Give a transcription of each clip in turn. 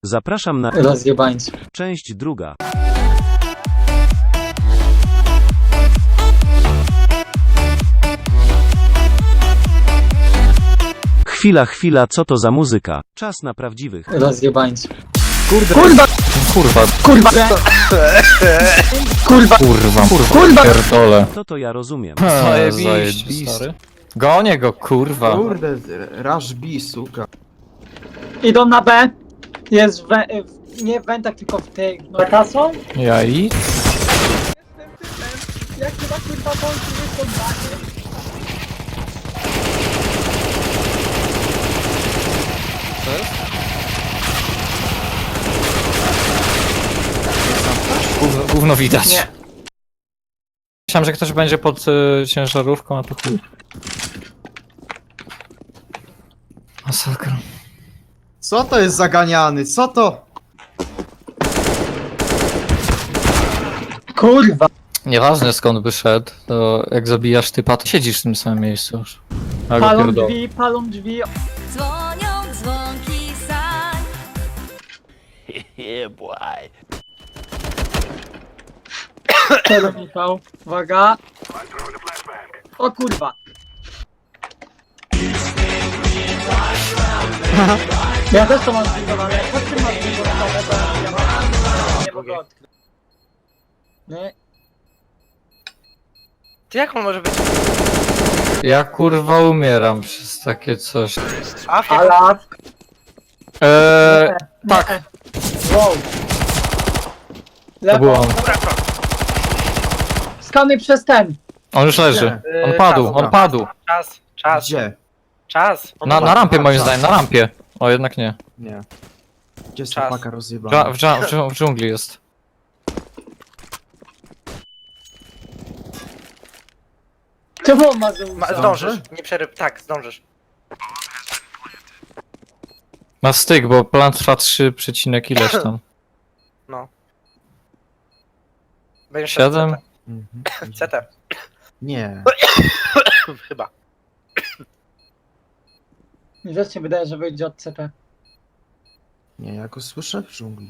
Zapraszam na Rozjebańcy. część druga. Chwila, co to za muzyka? Czas na prawdziwych. Rozjebańcy. Kurde. Kurwa! Kurwa, Kurwa! Kurwa! kurwa, pierdolę. To ja rozumiem. Zajebiście, stary. Gonię go, kurwa. Kurde, Rush B, suka. Idą na B. Jest nie w wentach, tylko w tych. No kasą? Ja i? Jak chyba kurwa bądź jest oddanie? Gówno widać. Nie. Myślałem, że ktoś będzie pod ciężarówką, a to chuj. Masakra. Co to jest zaganiany? Co to? Kurwa! Nieważne skąd by szedł, to jak zabijasz typa, to siedzisz w tym samym miejscu już. A go pierdolę. Palą drzwi. Dzwonią dzwonki sań. Czego Michał? Uwaga. O kurwa. Ja też to mam zbudowane. Po czym mam zbudowane? Bo ja mam... Nie mogę odkryć. Nie. Ty jak on może być? Ja kurwa umieram przez takie coś. Ala. Tak, Wow. to Lewo. było on. Skanuj przez ten. On już leży. On padł. Czas. Gdzie? Czas. On Na rampie moim zdaniem, na rampie. O, jednak nie. Nie. Gdzie jest Czas. ta paka rozjebana? W dżungli jest. Czemu on ma Zeusa? Zdążysz. Nie przeryb. Tak, zdążysz. Ma styk, bo plan trwa 3, ileś tam. No. Będziesz 7? Mhm. CT. Nie. Chyba. Mi też się wydaje, że wyjdzie od CP. Nie, ja go słyszę w dżungli.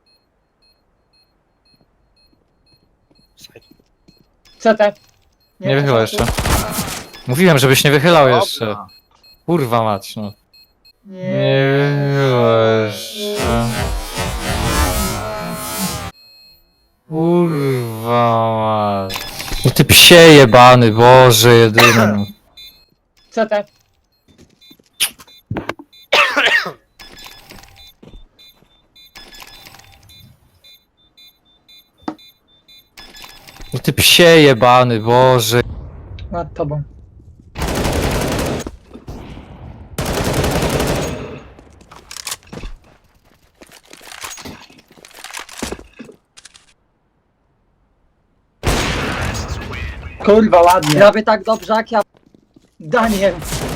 CT. Nie wychylał jeszcze. Mówiłem, żebyś nie wychylał jeszcze. Kurwa mać, no. Nie wychylał jeszcze. Kurwa mać. No ty psie jebany, Boże jedyny. CT. No ty psie jebany, Boże. Nad tobą. Kurwa, ładnie. Prawie tak dobrze jak ja. Daniel.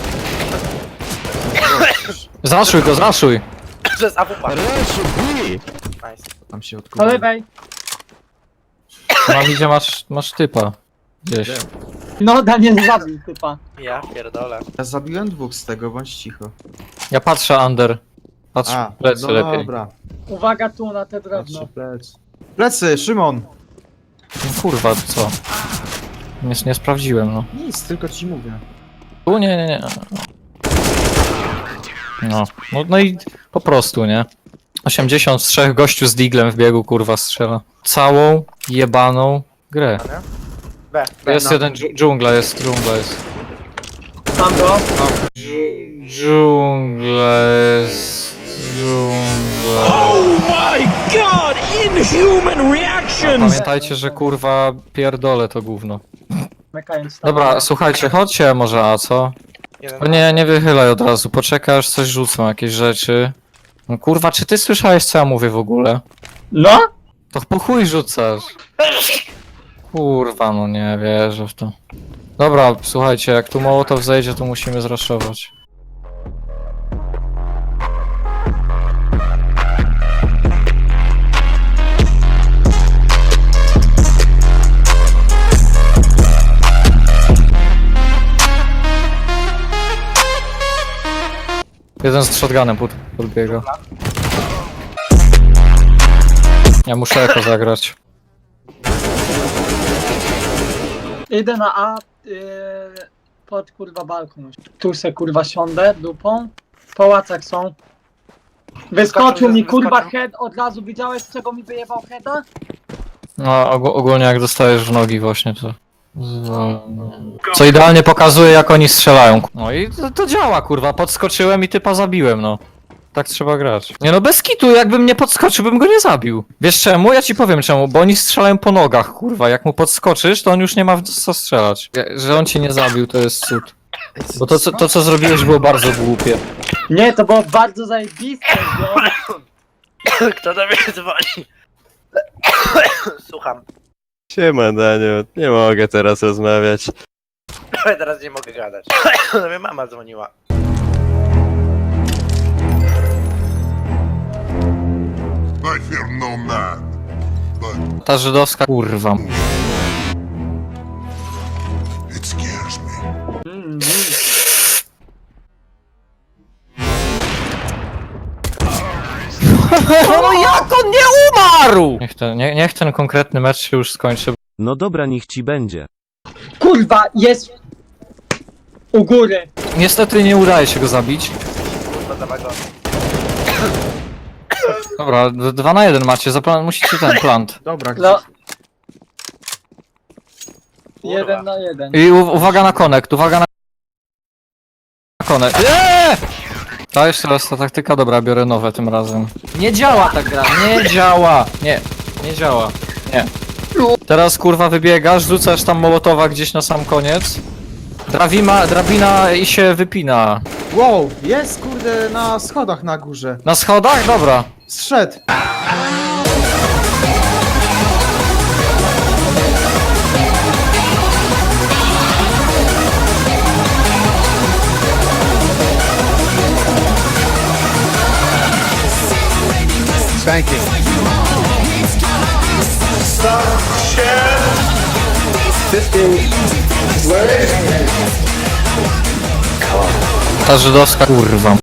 Zaszuj go, zaszuj. To jest AWP. Nice. Tam się Po odkurwa. lewej. Mam idzie, masz typa. Gdzieś. No, Daniel zabił typa. Ja pierdolę. Ja zabiłem dwóch z tego, bądź cicho. Ja patrzę under. Patrz w plecy no lepiej. dobra. Uwaga tu na te drewno. Patrzę plecy. Plecy, Szymon! No kurwa, co? Nie sprawdziłem, no. Nic, tylko ci mówię. Tu nie. No i po prostu, nie? 83 gościu z diglem w biegu, kurwa, strzela. Całą jebaną grę. B. Jest jeden dżungla jest. Mam go. Dżungla jest. Pamiętajcie, że kurwa pierdolę to gówno. Mekając tam. Dobra, słuchajcie, chodźcie może, a co? Jeden. O nie wychylaj od razu, poczekaj aż coś rzucą, jakieś rzeczy. No kurwa, czy ty słyszałeś co ja mówię w ogóle? No? To po chuj rzucasz. Kurwa, no nie wierzę w to. Dobra, słuchajcie, jak tu Mołotow zejdzie, to musimy zraszować. Jeden z shotgunem podbiega. Ja muszę eko zagrać. Idę na A, pod kurwa balkon. Tu se kurwa siądę dupą. W pałacach są. Wyskoczył mi kurwa head, od razu widziałeś z czego mi wyjebał heada? No ogólnie jak dostajesz w nogi właśnie to... Co idealnie pokazuje jak oni strzelają. No i to działa kurwa, podskoczyłem i typa zabiłem no. Tak trzeba grać. Nie no bez kitu, jakbym nie podskoczył, bym go nie zabił. Wiesz czemu? Ja ci powiem czemu, bo oni strzelają po nogach kurwa, jak mu podskoczysz to on już nie ma w co strzelać. Że on cię nie zabił to jest cud. Bo to co zrobiłeś było bardzo głupie. Nie, to było bardzo zajebiste, no. Kto do mnie dzwoni? Słucham. Siema Daniel, nie mogę teraz rozmawiać. Teraz nie mogę gadać. Do mnie mama dzwoniła. I fear no man, but Ta żydowska kurwa. it scares me. No jak on nie umarł? Niech ten konkretny mecz się już skończy. No dobra, niech ci będzie. Kurwa, jest u góry. Niestety nie udaje się go zabić. Kurwa za wagon. Dobra, 2 na 1 macie, musicie ten plant. Dobra, No. 1 na 1. I uwaga na connect, uwaga na connect. Eee! To jeszcze raz ta taktyka, dobra, biorę nowe tym razem. Nie działa ta gra, nie działa. Nie działa, nie. Teraz kurwa wybiegasz, rzucasz tam mołotowa gdzieś na sam koniec. Drabina i się wypina. Wow, jest kurde na schodach na górze. Na schodach? Dobra. Zszedł. Ta żydowska kurwa.